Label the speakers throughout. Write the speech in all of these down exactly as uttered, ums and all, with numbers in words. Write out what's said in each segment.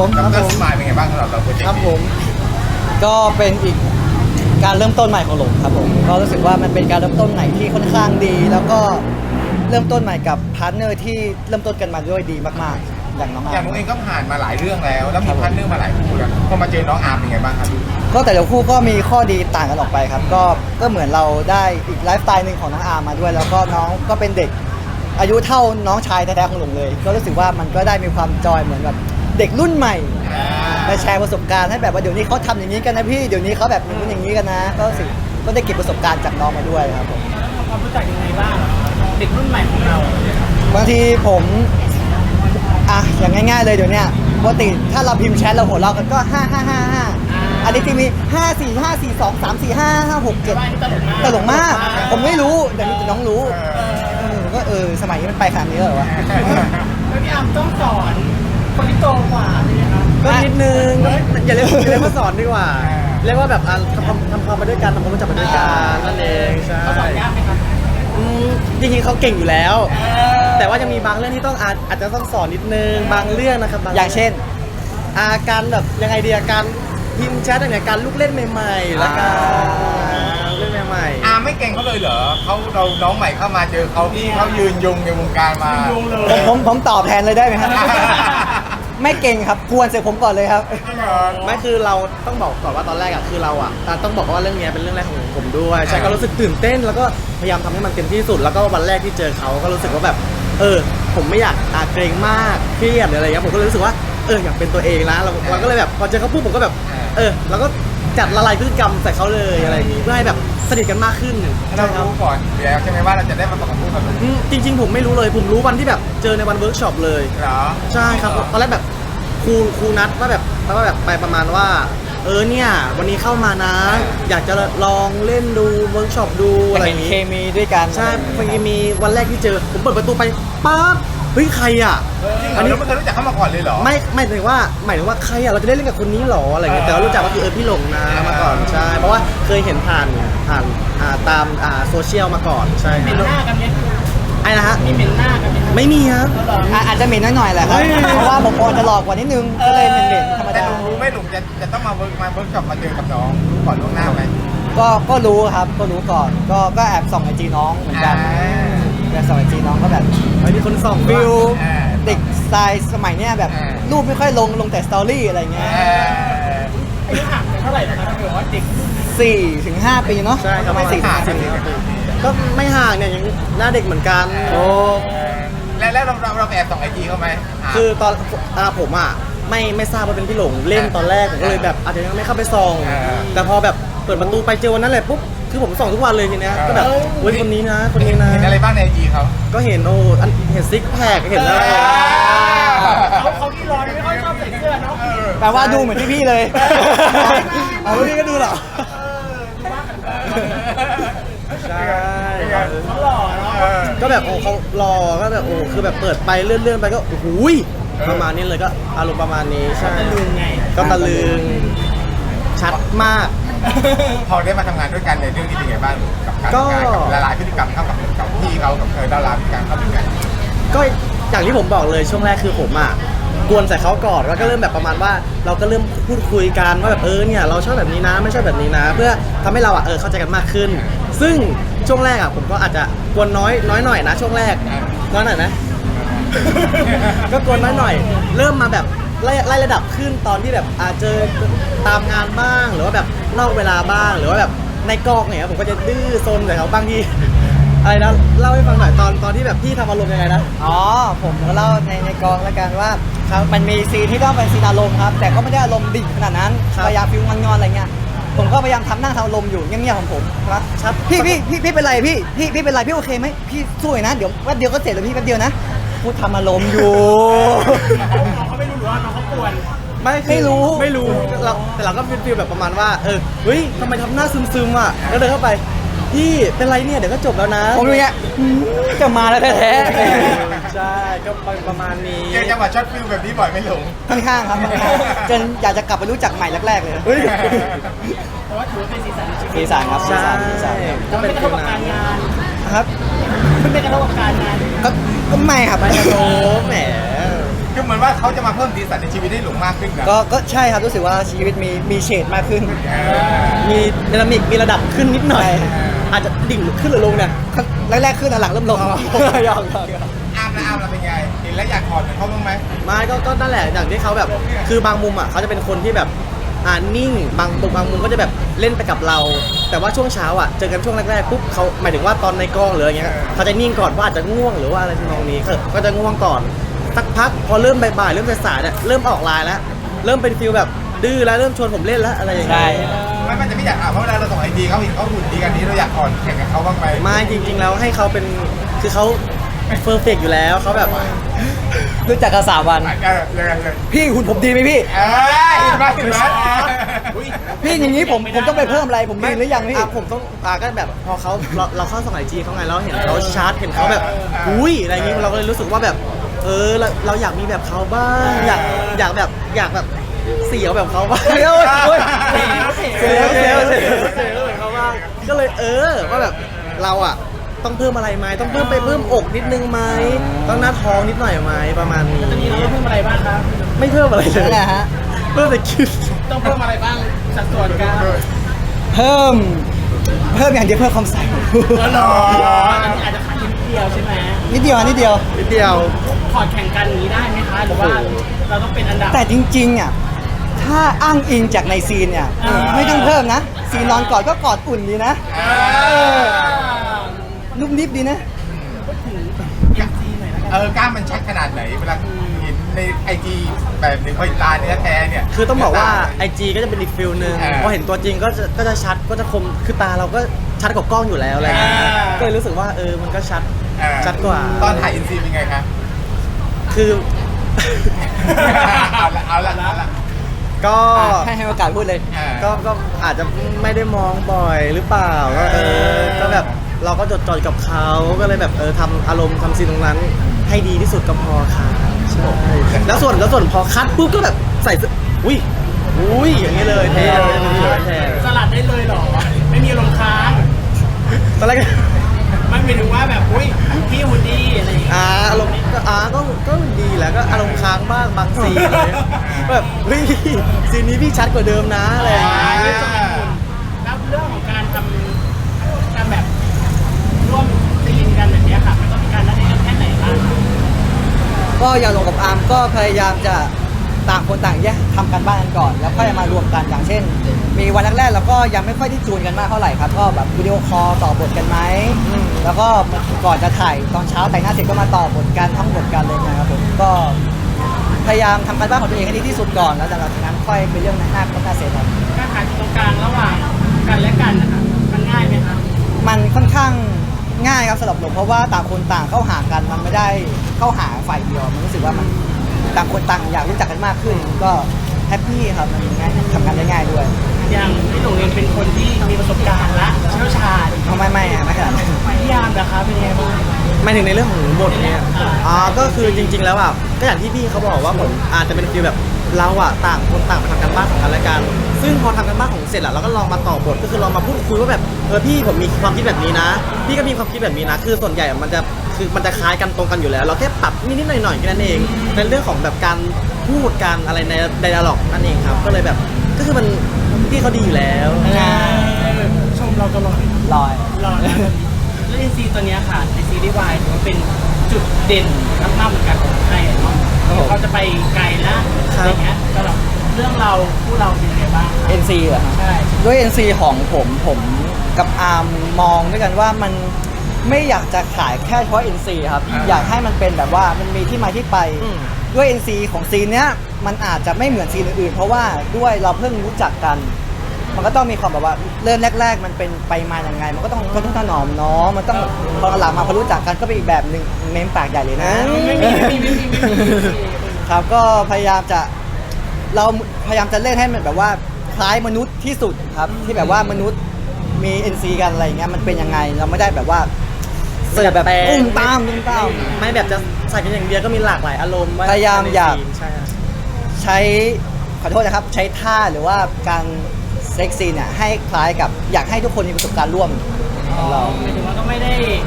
Speaker 1: ผมค
Speaker 2: กั
Speaker 1: รั
Speaker 2: บบ เรื่
Speaker 1: ผ
Speaker 2: อง
Speaker 1: ม
Speaker 2: สมายเป็นไงบ้างสำหรับเราโปรเจกต์
Speaker 1: ครับผมก็เป็นอีกการเริ่มต้นใหม่ของหลงครับผมก็รู้สึกว่ามันเป็นการเริ่มต้นใหม่ที่ค่อนข้างดี แล้วก็เริ่มต้นใหม่กับพาร์ทเนอร์ที่เริ่มต้นกันมาด้วยดีมากๆ อย่างน้องอา
Speaker 2: อย่า
Speaker 1: ร์
Speaker 2: ง
Speaker 1: ม
Speaker 2: นุ้งเองก็ผ่านมาหลายเรื่องแล้ว แล้วมีพันเรื่องมาหลายคู่แล้วพอมาเจอน้องอาร์มเป็นไงบ้างครับ
Speaker 1: ก็แต่ละคู่ก็มีข้อดีต่างกันออกไปครับก็ก็เหมือนเราได้อีกไลฟ์สไตล์หนึ่งของน้องอาร์มมาด้วย แล้วก็น้องก็เป็นเด็กอายุเท่าน้องชายแท้ๆของหลงเลย ก็รู้สึกว่ามันก็ได้มีความจอยเหมือนแบบเด็กรุ่นใหม่มาแชร์ประสบการณ์ให้แบบว่าเดี๋ยวนี้เขาทำอย่างนี้กันนะพี่เดี๋ยวนี้เขาแบบอย่างนู้นอย่างนี้กันนะ ก็รู้สึกก็ได้เก็บประสบการณ์จากน้องมาด้วยครับผม
Speaker 3: ทำความรู้จักยังไงบ้างเด็กรุ่นใหม่ของเรา
Speaker 1: บางทีผมอ่ะอย่างง่ายๆเลยเดี๋ยวเนี้ยปกติถ้าเราพิมพ์แชทเราหัวเราะกันก็ห้าห้าห้าห้าอันนี้ที่มีห้าสี่ห้าสี่สองสามสี่ห้าห้าหกเจ็ดตลกมาก ผมไม่รู้แต่นี่น้องรู้เออก็เออสมัยนี้มันไปขนาดนี้แล้วเหรอวะ
Speaker 3: แล้วพี่อาร์มต้องสอนคนที่โตกว่าใช่ไหมครับ
Speaker 4: ก็นิดนึงอย่าเรียกอย่าเรียกว่าสอนดีกว่า เรียกว่าแบบอ่ะทำความทำความไปด้วยกันทำความรู้จักไปด้วยกันนั่นเองใช่
Speaker 3: เขาสอนยากไหมครับ
Speaker 4: อืมจริงๆเขาเก่งอยู่แล้ว แต่ว่าจะมีบางเรื่องที่ต้องอาจอาจจะต้องสอนนิดนึงบางเรื่องนะครับบ
Speaker 1: อย่างเช่น
Speaker 4: อาการแบบยังไงดีอาการพิมพ์แชทอย่างการลูกเล่นใหม่ๆแล้วกันลูกเล่นใหม่
Speaker 2: อาร์มไม่เก่งเขาเลยเหรอเขาเราน้องใหม่เข้ามาเจอเขาที่เขายืนยงในวงการมา
Speaker 3: ยุงเล
Speaker 1: ผม
Speaker 3: ย
Speaker 1: ผมผมตอบแทนเลยได้ไหมครับ ไม่เก่งครับควรเสียผมก่อนเลยครับ
Speaker 4: ๆไม่คือเราต้องบอกก่อนว่าตอนแรกอ่ะคือเราอ่ะอ่ะต้องบอกว่าเรื่องเนี้ยเป็นเรื่องแรกของผมด้วยใช่ก็รู้สึกตื่นเต้นแล้วก็พยายามทำให้มันเต็มที่สุด แล้วก็วันแรกที่เจอเขาก็รู้สึกว่าแบบเออผมไม่อยากอาเกรงมากเครียดหรืออะไรเงี้ยผมก็เลยรู้สึกว่าเอออยากเป็นตัวเองนะเราเราก็เลยแบบพอเจอเขาปุ๊บผมก็แบบเออเราก็จัดละลายพฤติกรรมใส่เขาเลยอะไรอย่างงี้เพื่อให้แบบสนิทกันมากขึ้น
Speaker 2: เรารู้ก่อนอยู่แล้วใช่ไหมว่าเราจะได้มาประกอบคู่กับหนู
Speaker 4: อืมจริง ๆ ผมไม่รู้เลยผมรู้วันที่แบบเจอในวันเวิร์กช็อปเลย
Speaker 2: เหรอ
Speaker 4: ใช่ครับตอนแรกแบบครูครูนัดว่าแบบว่าแบบไปประมาณว่า เออเนี่ยวันนี้เข้ามานะ อยากจะลองเล่นดูเวิร์กช็อปดูอะไรอ
Speaker 1: เห็น
Speaker 4: ย่าง
Speaker 1: เค
Speaker 4: นี้
Speaker 1: มีด้วยกัน
Speaker 4: ใช่พอดีมีวันแรกที่เจอผมเปิดประตูไปปั๊บเฮ้ยใครอ่ะ
Speaker 2: อันนี้ไม่เคยรู้จักเขามาก่อนเลยเหรอ
Speaker 4: ไม่ไม่ถึงว่าหมายถึงว่าใครอ่ะเราจะได้เล่นกับคนนี้หรออะไรอย่างเงี้ยแต่ว่ารู้จักว่าคือเออพี่หลงนะมาก่อนใช่เพราะว่าเคยเห็นผ่านผ่านอ่าตามอ่าโซเชียลมาก่อนใช่
Speaker 3: เหม็นหน้ากันไหม
Speaker 4: ไอ้นะฮะ
Speaker 3: มีเหม็นหน้ากันไหมครับ
Speaker 4: ไม่มีครับ
Speaker 3: แล้วเหรอ
Speaker 1: อ่ะอาจจะเหม็นหน่อยๆแหละครับ
Speaker 4: เฮ้ย
Speaker 1: เพราะว่าผมพอจะหลอกกว่านิดนึงก็เลยเหม็นๆธรรม
Speaker 2: แต่
Speaker 1: ดา
Speaker 2: หนูรู้ไหมหนูจะจะต้องมาเวิร์กมาเวิร์กช็อปมาเจอกับน้องรู้ก่อนล่วงหน้าไหม
Speaker 1: ก็ก็รู้ครับก็รู้ก่อนก็ก็แอบส่องไอจีน้องเหมือนกันแอบส่องไอจีน้องก็แบบ
Speaker 4: ไอ้นี่คนส่อง
Speaker 1: ฟิล
Speaker 2: อ่า
Speaker 1: เด็กสไตล์สมัยเนี้ยแบบ
Speaker 2: อ่า
Speaker 1: รูปไม่ค่อยลงลงแต่สตอรี่อะไรเงี้ย
Speaker 2: เออ
Speaker 3: อายุห่างกันเท่าไหร่นะครับถ้าเกิดว่าเด็ก
Speaker 1: สี่ถึงห้าปีเนาะ
Speaker 4: ใช่ครับ
Speaker 1: ประมาณสี่ถึงห้า
Speaker 2: สี่
Speaker 1: ปี
Speaker 2: สิบปี
Speaker 4: ก็ไม่ห่างเนี่ยยังหน้าเด็กเหมือนกัน
Speaker 1: โอ้
Speaker 2: แล้วแล้วเราเราเราแอบส่องไอจีเขาไหม
Speaker 4: คือตอนอ่าผมอ่ะไม่ไม่ทราบว่าเป็นพี่หลงเล่นตอนแรกผมก็เลยแบบอาจจะยังไม่เข้าไปส่อง แต่พอแบบเปิดประตูไปเจอวันนั้นเลยปุ๊บคือผมส่องทุกวันเลยทีเนี้ยก็แบบเว้ยคนนี้นะคนนี้นะ
Speaker 2: เห็นอะไรบ้างในไอจีเขา
Speaker 4: ก็เห็นโอ้อันเห็นซิกแพคเห็นอะไร
Speaker 3: เขาเขาที่ร้อนไม่ค่อยชอบใส่เสื้อเนาะ
Speaker 1: แปลว่าดูเหมือนพี่ๆเลย
Speaker 4: เอาพี่ก็ดูเหรอ ใช่
Speaker 3: เขาหล่อเนาะ
Speaker 4: ก็แบบโอ้เขารอก็แบบโอ้คือแบบเปิดไปเลื่อนๆไปก็โอ้โหยประมาณนี้เลยก็อารมณ์ประมาณนี้ใช่
Speaker 3: ตะลึงไง
Speaker 4: ก็ตะลึงชัดมาก
Speaker 2: พอได้มาทำงานด้วยกันในเรื่องนี้เป็นไงบ้างกับการ
Speaker 4: ก็
Speaker 2: ทำงานกับละลายพฤติกรรมเข้ากับกับพี่เขากับเธอดาราพฤติกรรมเข้าด้วยกัน
Speaker 4: ก็อย่างที่ผมบอกเลยช่วงแรกคือผมอ่ะกวนใส่เขาก่อนแล้วก็เริ่มแบบประมาณว่า เราก็เริ่มพูดคุยกันว่าแบบเออเนี่ยเราชอบแบบนี้นะไม่ชอบแบบนี้นะ เพื่อทำให้เราอ่ะเออเข้าใจกันมากขึ้น ซึ่งช่วงแรกอ่ะผมก็อาจจะกวนน้อยน้อยหน่อยนะ ช่วงแรกน้อยหน่อยนะ ก็กวนน้อยหน่อย เริ่มมาแบบไล่ไล่ระดับขึ้นตอนที่แบบอาจเจอตามงานบ้างหรือว่าแบบนอกเวลาบ้างหรือว่าแบบในกองเนี่ยผมก็จะดื้อซนใส่เขาบางทีอะไรนะเล่าให้ฟังหน่อยตอนตอนที่แบบพี่ทำอารมณ์ยังไงนะ
Speaker 1: อ๋อผมก็เล่าในในกองแล้วกันว่าครับมันมีซีนที่ต้องเป็นซีนอารมณ์ครับ แต่ก็ไม่ได้อารมณ์ดิ่งขนาดนั้น
Speaker 4: ครับ
Speaker 1: พยายามฟิลงอนๆอะไรเงี้ยผมก็พยายามทำนั่งทำอารมณ์อยู่เงียบๆของผมครับ
Speaker 4: ครับ
Speaker 1: พี่พี่พี่พี่เป็นไรพี่พี่พี่เป็นไรพี่โอเคไหมพี่สู้หน่อยนะเดี๋ยวแป๊บเดียวก็เสร็จแล้วพี่แป๊บเดียวนะพูดทำอารมณ์อยู่
Speaker 3: น้องเขาไม่รู้หรือว่าน้องเขากวน
Speaker 4: ไม่
Speaker 1: ไม่รู้
Speaker 4: ไม่รู้เราแต่เราก็เป็นฟีลแบบประมาณว่าเออเฮ้ยทำไมทำหน้าซึมๆอ่ะแล้วเดินเข้าไปพี่เป็นไรเนี่ยเดี๋ยวก็จบแล้วนะ
Speaker 1: ผมอย่างเงี้ยหืมจะมาแล้วแท้
Speaker 4: ใช่ก็ประมาณนี้
Speaker 2: เจอจังหวะช็อตฟิลแบบนี้บ่อยไหม่หลง
Speaker 1: ๆค่อนข้างครับจนอยากจะกลับไปรู้จักใหม่แรกๆเลย
Speaker 4: เฮ้ย
Speaker 3: แต่ว่าถือว่าเป็นสีสันในชีวิต
Speaker 1: สีสันครับสี
Speaker 4: ใช่
Speaker 1: สันสีสัน
Speaker 3: ก็ไม่กระทบกับการงาน
Speaker 1: ครับ
Speaker 3: ไม่กระทบกับการงาน
Speaker 1: ก็ก็ไม่ครับ
Speaker 4: ไปนะโอ้แหม
Speaker 2: คือเหมือนว่าเขาจะมาเพิ่มสีสันในชีวิตให้หลงมากขึ้นนะ
Speaker 1: ก็ก็ใช่ครับรู้สึกว่าชีวิตมีมีเฉดมากขึ้น
Speaker 2: เออ
Speaker 4: มีดินามิกมีระดับขึ้นนิดหน่อย อาจจะดิ่งขึ้นหรือลงเนี่ย
Speaker 1: แรกๆขึ้นหลังๆเริ่มลง
Speaker 2: อ๋อ
Speaker 1: ยอมยอมยอม
Speaker 2: อามละอามละเป็นไงเห็นแล้วอยากถอดเหมือนเขาบ้างไหม
Speaker 4: ไม่ก็ก็นั่นแหละอย่างที่เขาแบบคือบางมุมอ่ะเขาจะเป็นคนที่แบบอ่านิ่งบางบางมุมก็จะแบบเล่นไปกับเรา แต่ว่าช่วงเช้าอ่ะเจอกันช่วงแรกๆปุ๊บเขาหมายถึงว่าตอนในกล้องหรืออะไรเงี้ยเขาจะนิ่งก่อนว่าอาจจะง่วงหรือว่าอะไรทำนองนี้ก็ก็จะง่วงก่อนสักพักพอเริ่มบ่ายๆเริ่มสายๆเนี่ยเริ่มออกไลน์แล้วเริ่มเป็นฟิลแบบดื้อแล้วเริ่มชวนผมเล่นแล้วอะไรอย่างเงี้ย
Speaker 2: ไม่มันจะไม่อยากถามเพราะเวลาเราส่งไอจีเขาเห็นเขาหุ่นดีกันนี้เราอยากถอดแข่งกับเขาบ้างไหม
Speaker 4: ไม่จริง ๆ แล้วให้เขาเป็นคือเขาเฟอร์เฟกอยู่แล้วเขาแบบ
Speaker 1: รู้จักกันสามวัน
Speaker 2: เออยังไงเลย
Speaker 1: พี่หุ่นผมดีไหมพี่
Speaker 2: เออเห็นไหมเห็นไหม
Speaker 1: พี่อย่างนี้ผมผมต้องไปเพิ่มอะไรผมดีหรือยังพี่
Speaker 4: อ่ะผมต้องอ่ะก็แบบพอเขาเราเราเข้าสมัยจีเขาไงเราเห็นเขาชาร์จเห็นเขาแบบอุ้ยอะไรอย่างงี้เราก็เลยรู้สึกว่าแบบเออเราเราอยากมีแบบเขาบ้างอยากอยากแบบอยากแบบเสียวแบบเขาบ้าง
Speaker 1: เฮ้ยเฮ้ย
Speaker 4: เสียวเสียวเสียวเสียวแบบเขาบ้างก็เลยเออว่าแบบเราอ่ะต้องเพิ่มอะไรไหมต้องเพิ่มไปเพิ่มอกนิดนึงไหมต้องหน้าท้องนิดหน่อยไหมประมาณนี้
Speaker 3: ตอนนี้เราต้องเพิ่มอะไรบ้างครับ
Speaker 4: ไม่เพิ่มอะไรเลย
Speaker 1: นั่นแหละฮะ
Speaker 4: เพิ่มแต่คิด
Speaker 3: ต้องเพิ่มอะไรบ้างสัดส่วนกัน
Speaker 1: เพิ่ม เพิ่มอย่างเดียวเพิ่มความใสของคุณ
Speaker 3: อ๋อเหรออันนี้อาจจะขาดนิดเดียวใช่ไหม
Speaker 1: นิดเดียวนิดเดียว
Speaker 4: นิดเดียว
Speaker 3: ถอดแข่งกันอย่างนี้ได้ไหมคะ หรือว่าเราต้องเป็นอันดับ
Speaker 1: แต่จริงๆอ่ะถ้าอ้างอิงจากในซีนเนี่ย
Speaker 3: อ่า
Speaker 1: ไม่ต้องเพิ่มนะซีนนอนกอดก็กอดอุ่นดีนะ
Speaker 2: เอ
Speaker 3: เอ
Speaker 2: อ
Speaker 3: อ
Speaker 1: นุ่มนิบดีนะ
Speaker 3: พูดถึงเอ็มซีหน่อยแล้วกัน
Speaker 2: เออกล้ามมันชัดขนาดไหนเวลาเห็นในไอจีแบบหนึ่งพอตาเนื้อแท้เนี่ย
Speaker 4: คือต้องบอกว่า ไอ จี ก็จะเป็นอีกฟิลหนึ่ง
Speaker 2: เออ
Speaker 4: พอเห็นตัวจริงก็จะก็จะชัดก็จะคมคือตาเราก็ชัดกว่ากล้องอยู่แล้วอะไรเงี้ย
Speaker 3: อ่า
Speaker 4: ก็เลยรู้สึกว่าเออมันก็ชัด
Speaker 2: เออ
Speaker 4: ชัดกว่า
Speaker 2: ตอนถ่ายอินซีเป็นไงครับ
Speaker 4: คือ
Speaker 2: เอาละเอาละเอาละ
Speaker 4: ก็
Speaker 1: ให้ให้โอกาสพูดเลย
Speaker 2: อ่า
Speaker 4: ก็ก็อาจจะไม่ได้มองบ่อยหรือเปล่าก็เออก็แบบเราก็จดจ่อยกับเขาก็เลยแบบเออทำอารมณ์ทำซีนตรงนั้น ให้ดีที่สุดก็พอค่ะใช่แล้วส่วนแล้วส่วนพอคัดปุ๊บก็แบบใส่เสื้ออุ้ยอุ้ยอย่างนี้เลยเท่เลยเท่
Speaker 3: สลัดได้เลยเหรอ ไม่มีลมณ์ค้าง
Speaker 4: ตอนแรกก็
Speaker 3: ไม่หมายถึงว่าแบบอุ้ยพี่หุ่นดีอะไรอย่างเงี้ย
Speaker 4: อ่าอารมณ์ก็อ่าก็ก็ดีแหละก็อารมณ์ค้างบ้างบางซีนอะไรเลยแบบเฮ้ยซีนนี้พี่ชัดกว่าเดิมนะอะไรอย่างเงี้ย
Speaker 3: เรื่องสมัยคุณแล้วเรื่องของการทำการแบบร่วมซีนกันแบบเนี้ยค่ะ มันต้องมีการนัดแนะกันแค่ไหนบ้างคะ
Speaker 1: ก็อย่างลงกับอาร์มก็พยายามจะต่างคนต่างแยกทำกันบ้านกันก่อน แล้วค่อยมารวมกันอย่างเช่น มีวันแรกๆเราก็ยังไม่ค่อยได้จูนกันมากเท่าไหร่ครับก็แบบวิดีโอคอลต่อบทกันไหมแล้วก็ก่อนจะถ่ายตอนเช้าแต่งหน้าเสร็จก็มาต่อบทกันท่องบทกันเลยนะครับผมก็พยายามทำกันบ้านของตัวเองให้ดีที่สุดก่อนแล้วจากนั้นค่อยเป็นเรื่องหน้าหน้าเสร็จครับ
Speaker 3: การหาจุดตรงกลางระหว่างกันและกันนะคะมันง่ายไหมคะ
Speaker 1: มันค่อนข้างง่ายครับสำหรับผมเพราะว่าต่างคนต่างเข้าหากันมันไม่ได้เข้าหาฝ่ายเดียวมันรู้สึกว่ามันต่างคนต่างอยากรู้จักกันมากขึ้น ก็แฮปปี้ครับมันง่ายทำงานได้ง่ายด้วย
Speaker 3: อย่างพี่หลงเองเป็นคนที่มีประสบการณ์และเชี่ยวชาญ
Speaker 1: เอาไม่ไม่อะไม่ขนาดนั้น
Speaker 3: พี่ยามนะคะเป็นยังไงบ้าง
Speaker 4: หมายถึงในเรื่องของบทเนี่ยอ่าก็คือจริง ๆ แล้วอ่ะก็อย่างที่พี่เขาบอกว่าผมอาจจะเป็นฟีลแบบเราอ่ะต่างคนต่างมาทำกันบ้านของกันและกัน ซึ่งพอทำกันบ้านของเสร็จแล้วเราก็ลองมาต่อบทก็คือลองมาพูดคุยว่าแบบเออพี่ผมมีความคิดแบบนี้นะ พี่ก็มีความคิดแบบนี้นะ คือส่วนใหญ่มันจะคือมันจะคล้ายกันตรงกันอยู่แล้ว เราแค่ปรับนิดๆหน่อยๆแค่นั้นเองในเรื่องของแบบการพูดการอะไรในไดอะล็อกนั่นเองครับก็เลยแบบก็คือมันพี่เขาดีอยู่แล้ว
Speaker 3: เออชมเราตลอด
Speaker 1: ลอย
Speaker 3: รอนะแล้วในซีตัวเนี้ยค่ะในซีรีส์วายถือว่าเป็นจุดเด่นมากๆเหมือนกันของไทยอะเนาะ
Speaker 1: ครับผม
Speaker 3: เขาจะไปไกลแล้วอะไรเงี้ยสำหรับเรื่องเราคู่เราเป็นยังไงบ้าง
Speaker 1: เอ็นซีเหรอครับ
Speaker 3: ใช่
Speaker 1: ด้วย เอ็น ซี ของผมผมกับอาร์มมองด้วยกันว่ามันไม่อยากจะขายแค่เฉพาะ เอ็น ซี ครับ
Speaker 2: อ่า
Speaker 1: อยากให้มันเป็นแบบว่ามันมีที่มาที่ไป
Speaker 4: อืม
Speaker 1: ด้วย เอ็น ซี ของซีนเนี้ยมันอาจจะไม่เหมือนซีนอื่นๆ เพราะว่าด้วยเราเพิ่งรู้จักกัน มันก็ต้องมีความแบบว่าเริ่มแรก ๆ มันเป็นไปมาอย่างไง มันก็ต้องทนุถนอมเนาะมันต้องพอหลังมาพอรู้จักกันก็เป็นอีกแบบหนึ่งเม้มปากใหญ่เลยนะ
Speaker 3: ไม่มีไม่มีไม่มีไม่มีไม่มี
Speaker 1: ครับก็พยายามจะเราพยายามจะเล่นให้มันแบบว่าคล้ายมนุษย์ที่สุดครับ ที่แบบว่ามนุษย์มี เอ็น ซี กันอะไรอย่างเงี้ยมันเป็นยังไงเราไม่ได้แบบว่าเสิร์ฟแบบอุ้มตามตุ้มตาม
Speaker 4: ไม่แบบจะใส่กันอย่างเดียวก็มีหลากหลายอารมณ์ว่
Speaker 1: พยายามอยาก
Speaker 4: ในซีนใช่ครับ
Speaker 1: ใช้ขอโทษนะครับใช้ท่าหรือว่าการเซ็กซี่เนี่ยให้คล้ายกับอยากให้ทุกคนมีประสบการณ์ร่วมของเรา
Speaker 3: หมายถึงว่าก็ไม่ได้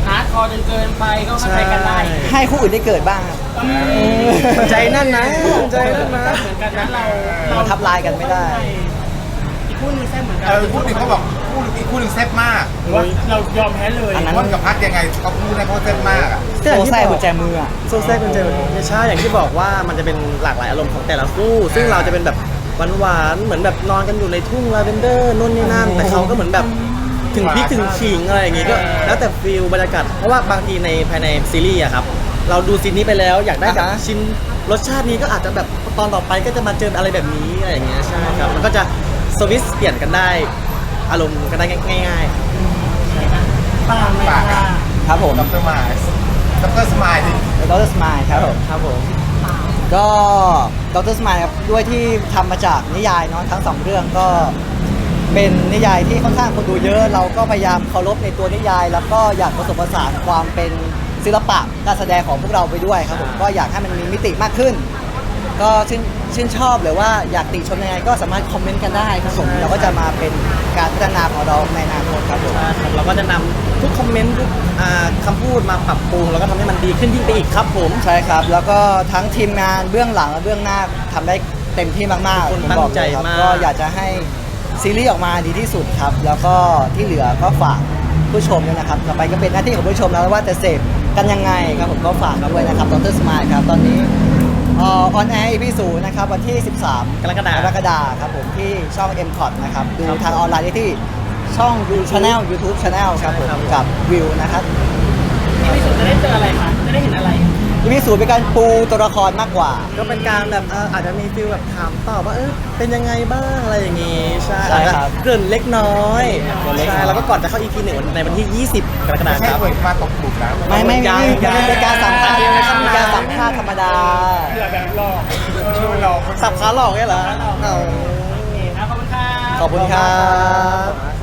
Speaker 3: ฮาร์ดคอร์จนเกินไปก็เข้าใจกันได้
Speaker 1: ให้คู่อื่นได้เกิดบ้างครับ
Speaker 4: ใจนั่นนะใจนั่นนะ
Speaker 3: เหมือนกันนะเรา
Speaker 1: เราทับลายกันไม่ได้
Speaker 3: อีกคู่นึงแซ่บเหมือนกั
Speaker 2: เออคู่หนึ่งเขาบอกคู่อีกคู่หนึ่งแซ่บมาก
Speaker 3: หรือว่าเรายอมแพ้เลย
Speaker 1: อันนั้น
Speaker 2: ม่อนกับพัดยังไงเขาพูดในเพราะแซ่บมากอ่ะ
Speaker 1: โซ่แซ่กุญแจมืออะ
Speaker 4: โซแซ่กุญแจมือใช่อย่างที่บอกว่ามันจะเป็นหลากหลายอารมณ์ของแต่ละคู่ ซึ่งเราจะเป็นแบบหวานๆเหมือนแบบนอนกันอยู่ในทุ่งลาเวนเดอร์นู่นนี่นั่นแต่เขาก็เหมือนแบบถึงพริกถึงขิงอะไรอย่างงี้ก็แล้วแต่ฟิลบรรยากาศเพราะว่าบางทีในภายในซีรีส์อะครับเราดูซีนนี้ไปแล้วอยากได้แบบ
Speaker 1: อ่าฮะ
Speaker 4: ชิ้นรสชาตินี้ก็อาจจะแบบตอนต่อไปก็จะมาเจออะไรแบบนี้อะไรอย่างเงี้ยใช่ครับมันก็จะสวิตช์เปลี่ยนกันได้อารมณ์กันได้ง่ายๆ
Speaker 3: ปางไหม
Speaker 2: ปาก
Speaker 3: ค่ะ
Speaker 2: อะ
Speaker 1: ครับผม
Speaker 2: ดรมายดรสมายดิ
Speaker 1: ดรสมายครับผม
Speaker 4: ครับผม
Speaker 1: ก็ดรสมายครับด้วยที่ทำมาจากนิยายเนาะทั้งสองเรื่องก็เป็นนิยายที่ค่อนข้างคนดูเยอะ เราก็พยายามเคารพในตัวนิยาย แล้วก็อยากผสมผสานความเป็นศิลปะการแสดงของพวกเราไปด้วยครับผมก็อยากให้มันมีมิติมากขึ้น ก็ชื่นชื่นชอบหรือว่าอยากติชมยังไงก็สามารถคอมเมนต์กันได้ครับผมเราก็จะมาเป็นการพัฒนาของเราในอนาคตครับผม
Speaker 4: ใช่ครับเราก็จะนำทุกคอมเมนต์ทุกอ่าคำพูดมาปรับปรุงแล้วก็ทำให้มันดีขึ้นยิ่งไปอีกครับผม
Speaker 1: ใช่ครับ แล้วก็ทั้งทีมงานเบื้องหลังและเบื้องหน้าทำได้เต็มที่มากๆ
Speaker 4: ทุกคน
Speaker 1: ผมบอกเลย
Speaker 4: ตั้งใจ
Speaker 1: ครับ
Speaker 4: มาก
Speaker 1: ก็อยากจะให้ซีรีส์ออกมาดีที่สุดครับ แล้วก็ที่เหลือก็ฝากผู้ชมด้วยนะครับต่อไปก็เป็นหน้าที่ของผู้ชมแล้วว่าจะเสพกันยังไงครับผมก็ฝากด้วยนะครับดรสมายครับตอนนี้ออนแอร์อีพีศูนย์นะครับวันที่ สิบสาม
Speaker 4: กรกฎาคม
Speaker 1: กรกฎาคมครับผมที่ช่อง เอ็ม คอท นะครับดูทางออนไลน์ได้ที่ช่อง Channel YouTube Channel ครับผมกับวิวนะครับ
Speaker 3: ที่พิสุทธิ์จะได้เจออะไรคะจะได้เห็นอะไร
Speaker 1: อีพีศูนย์เป็นการปูตัวละครมากกว่า
Speaker 4: ก็เป็นการแบบเอ่ออาจจะมีฟิลแบบถามตอบว่าเออเป็นยังไงบ้างอะไรอย่างงี้ใช่
Speaker 1: ใช่ครับ
Speaker 4: อาจจะเกริ่นเล็กน้อย
Speaker 1: เกริ่นเล็กน้อย
Speaker 4: ใช่แล้วก็ก่อนจะเข้า อี พี หนึ่งในวันที่ ยี่สิบ กรกฎาค
Speaker 2: ไม่
Speaker 4: ม
Speaker 2: ใช่
Speaker 4: ครับ
Speaker 2: เปิดมาตกบุกนะ
Speaker 1: ไม่ไม่
Speaker 4: ยั
Speaker 1: ไม่
Speaker 4: ง
Speaker 1: ไม่เป็นการสัมภาษณ์
Speaker 4: ยังไม่เข้า
Speaker 1: เป็นการสัมภาษณ์ธรรมดา
Speaker 3: เผื่อแบบหลอก
Speaker 2: เออเรา
Speaker 4: สับขาหลอกเนี่ยเหรอเอา
Speaker 3: โอเคครับขอบคุณค่ะ
Speaker 1: ขอบคุณครับ